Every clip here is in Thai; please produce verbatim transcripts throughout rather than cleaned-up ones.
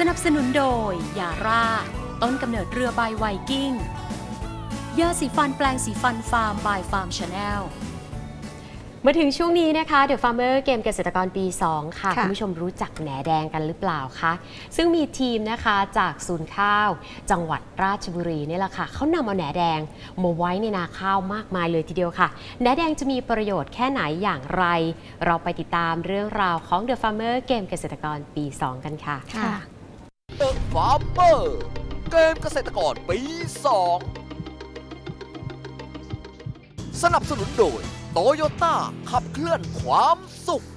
นับสนุนโดยยาร่าต้นกำเนิดเรือใบไวกิ้งยาสีฟันแปลงสีฟันฟาร์มบายฟาร์มชาแนลมาถึงช่วงนี้นะคะ The Farmer เกมเกษตรกรปี สอง ค่ะ คุณผู้ชมรู้จักแหนแดงกันหรือเปล่าคะซึ่งมีทีมนะคะจากศูนย์ข้าวจังหวัดราชบุรีนี่แหละค่ะเขานำเอาแหนแดงมาไว้ในนาข้าวมากมายเลยทีเดียวค่ะแหนแดงจะมีประโยชน์แค่ไหนอย่างไร เราไปติดตามเรื่องราวของ The Farmer เกมเกษตรกรปี สอง กันค่ะ The Farmer เกมเกษตรกรปี สอง สนับสนุนโดยโตโยต้าขับเคลื่อนความสุข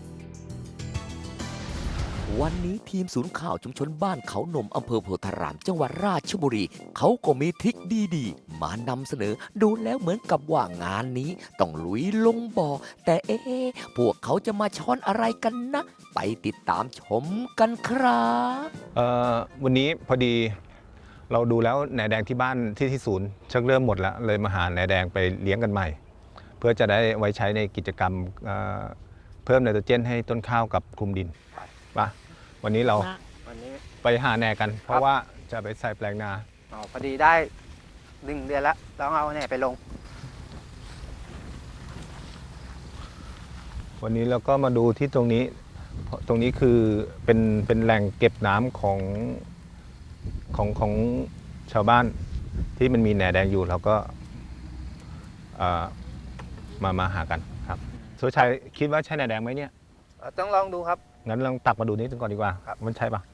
วันนี้ทีมศูนย์ข่าวชุมชนบ้านเขานมอำเภอโพธารามจังหวัดราชบุรีเขาก็มีทริคดีๆมานำเสนอดูแล้วเหมือนกับว่างานนี้ต้องลุยลงบ่อแต่เอ๊ะพวกเขาจะมาช้อนอะไรกันนะไปติดตามชมกันครับเอ่อวันนี้พอดีเราดูแล้วแหนแดงที่บ้านที่ที่ศูนย์ชักเริ่มหมดแล้วเลยมาหาแหนแดงไปเลี้ยงกันใหม่เพื่อจะได้ไว้ใช้ในกิจกรรมเพิ่มไนโตรเจนให้ต้นข้าวกับคลุมดินป่ะวันนี้เราวันนี้ไปหาแหนกัน เพราะว่าจะไปใส่แปลงนาอ๋อพอดีได้หนึ่งเดือนแล้วต้องเอาแหนไปลงวันนี้เราก็มาดูที่ตรงนี้ตรงนี้คือเป็นเป็นแหล่งเก็บน้ำของของของชาวบ้านที่มันมีแหนแดงอยู่เราก็มามาหากันครับสุชัยคิดว่าใช่แหนแดงไหมเนี่ยต้องลองดูครับงั้นลองตักมาดูนิดนึงก่อนดีกว่ามันใช่ปะ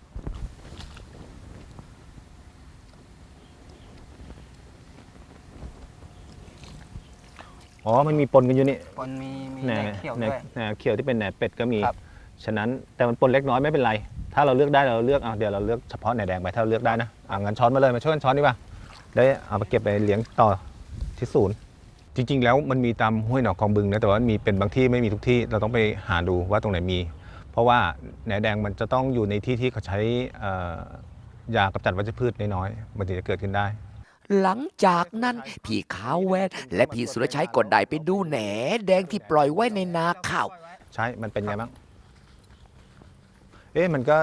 อ๋อมันมีปนกันอยู่นี่ปนมีมีแหนเขียวด้วยแหนเขียวที่เป็นแหนเป็ดก็มีฉะนั้นแต่มันปนเล็กน้อยไม่เป็นไรถ้าเราเลือกได้เราเลือกเอาเดี๋ยวเราเลือกเฉพาะแหนแดงไปถ้าเราเลือกได้นะอ่างั้นช้อนมาเลยมาช่วยกันช้อนดีกว่าได้เอาไปเก็บไปเลี้ยงต่อที่ศูนย์จริงๆแล้วมันมีตามห้วยหนองคลองบึงนะแต่ว่ามีเป็นบางที่ไม่มีทุกที่เราต้องไปหาดูว่าตรงไหนมีเพราะว่าแหนแดงมันจะต้องอยู่ในที่ที่เขาใช้ยากำจัดวัชพืชน้อยๆมันถึงจะเกิดขึ้นได้หลังจากนั้นพี่ขาวแวดและพี่สุรชัยก็ได้ไปดูแหนแดงที่ปล่อยไว้ในนาข้าวใช่มันเป็นไงบ้างเอ๊ะมันก็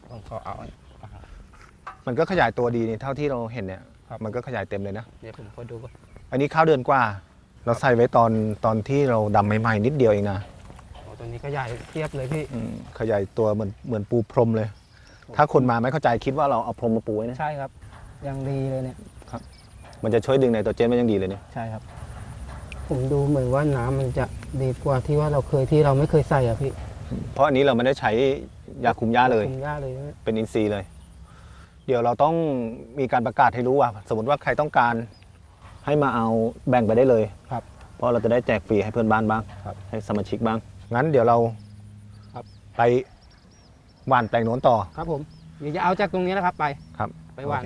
มันก็ขยายตัวดีนี่เท่าที่เราเห็นเนี่ยมันก็ขยายเต็มเลยนะเดี๋ยวผมขอดูก่อนอันนี้ข้าวเดือนกว่าเราใส่ไว้ตอนตอนที่เราดำใหม่ๆนิดเดียวเองนะโอ้ตัวนี้ขยายเทียบเลยพี่ขยายตัวเหมือนเหมือนปูพรมเลยถ้าคนมาไม่เข้าใจคิดว่าเราเอาพรมมาปูไว้นะใช่ครับยังดีเลยเนี่ยครับมันจะช่วยดึงไนโตรเจนมันยังดีเลยเนี่ยใช่ครับผมดูเหมือนว่าน้ำมันจะดีกว่าที่ว่าเราเคยที่เราไม่เคยใส่อ่ะพี่เพราะอันนี้เราไม่ได้ใช้ยาคุมหญ้าเลยคุมหญ้าเลยเป็นอินทรีย์เลยเดี๋ยวเราต้องมีการประกาศให้รู้ว่าสมมติว่าใครต้องการให้มาเอาแบ่งไปได้เลยครับเพราะเราจะได้แจกฟรีให้เพื่อนบ้านบ้างให้สมาชิกบ้างงั้นเดี๋ยวเราไปหว่านแปลงโน้นต่อครับผมเดี๋ยวจะเอาจากตรงนี้นะครับไปครับไปหว่าน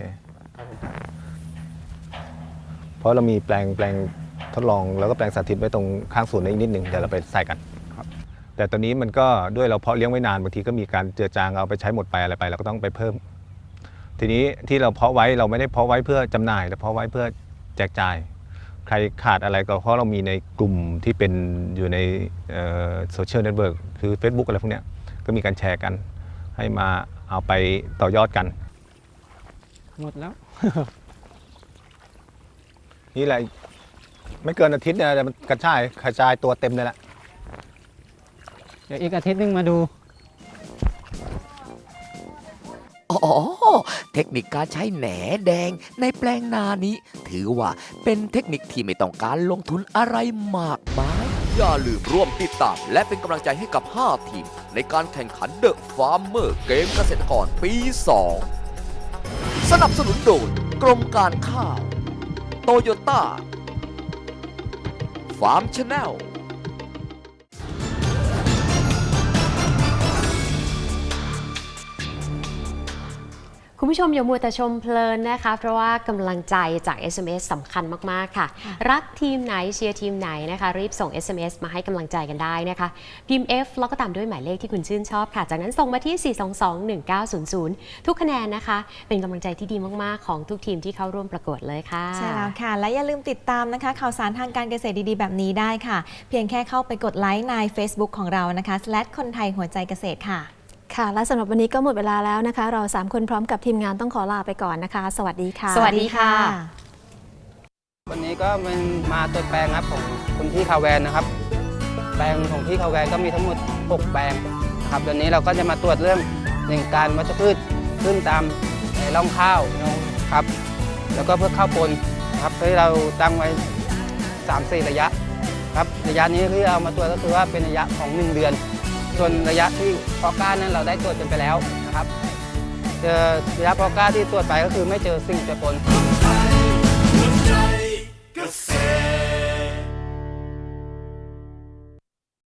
เพราะเรามีแปลงแปลงทดลองแล้วก็แปลงสาธิตไว้ตรงข้างสวนอีกนิดหนึ่งเดี๋ยวเราไปใส่กันครับแต่ตอนนี้มันก็ด้วยเราเพาะเลี้ยงไว้นานบางทีก็มีการเจือจางเอาไปใช้หมดไปอะไรไปเราก็ต้องไปเพิ่มทีนี้ที่เราเพาะไว้เราไม่ได้เพาะไว้เพื่อจำหน่ายแต่เพาะไว้เพื่อแจกจ่ายใครขาดอะไรก็เพราะเรามีในกลุ่มที่เป็นอยู่ในโซเชียลเน็ตเวิร์กคือ Facebook อะไรพวกนี้ก็มีการแชร์กันให้มาเอาไปต่อยอดกันหมดแล้วนี่แหละไม่เกินอาทิตย์เนี่ยมันกระจายกระจายตัวเต็มเลยแหละเดี๋ยวอีกอาทิตย์นึงมาดูอ๋อเทคนิคการใช้แหนแดงในแปลงนานี้ถือว่าเป็นเทคนิคที่ไม่ต้องการลงทุนอะไรมากมายอย่าลืมร่วมติดตามและเป็นกำลังใจให้กับห้าทีมในการแข่งขัน The Farmer เกมเกษตรกรปี สอง สนับสนุนโดยกรมการข้าวโตโยต้าฟาร์มชาแนลคุณผู้ชมอย่ามัวแต่ชมเพลินนะคะเพราะว่ากำลังใจจาก เอส เอ็ม เอส สำคัญมากๆค่ะรักทีมไหนเชียร์ทีมไหนนะคะรีบส่ง เอส เอ็ม เอส มาให้กำลังใจกันได้นะคะพิมพ์ F แล้วก็ตามด้วยหมายเลขที่คุณชื่นชอบค่ะจากนั้นส่งมาที่ สี่ สอง สอง หนึ่ง เก้า ศูนย์ ศูนย์ ทุกคะแนนนะคะเป็นกำลังใจที่ดีมากๆของทุกทีมที่เข้าร่วมประกวดเลยค่ะใช่แล้วค่ะและอย่าลืมติดตามนะคะข่าวสารทางการเกษตรดีๆแบบนี้ได้ค่ะเพียงแค่เข้าไปกดไลค์ใน Facebook ของเรานะคะ คนไทยหัวใจเกษตรค่ะค่ะและสำหรับวันนี้ก็หมดเวลาแล้วนะคะ เราสามคนพร้อมกับทีมงานต้องขอลาไปก่อนนะคะ สวัสดีค่ะสวัสดีค่ะวันนี้ก็เป็นมาตรวจแปลงครับของคุณพี่คาแวนนะครับ แปลงของพี่คาแวนก็มีทั้งหมดหกแปลงนะครับวันนี้เราก็จะมาตรวจเรื่องหนึ่งการวัชพืชขึ้นตามร่องข้าวครับแล้วก็เพื่อข้าวปนครับที่เราตั้งไว้ สามสี่ ระยะครับระยะนี้ที่เอามาตรวจก็คือว่าเป็นระยะของหนึ่งเดือนส่วนระยะที่เพาะกล้านั้นเราได้ตรวจกันไปแล้วนะครับเจอระยะเพาะกล้าที่ตรวจไปก็คือไม่เจอสิ่งเจือปน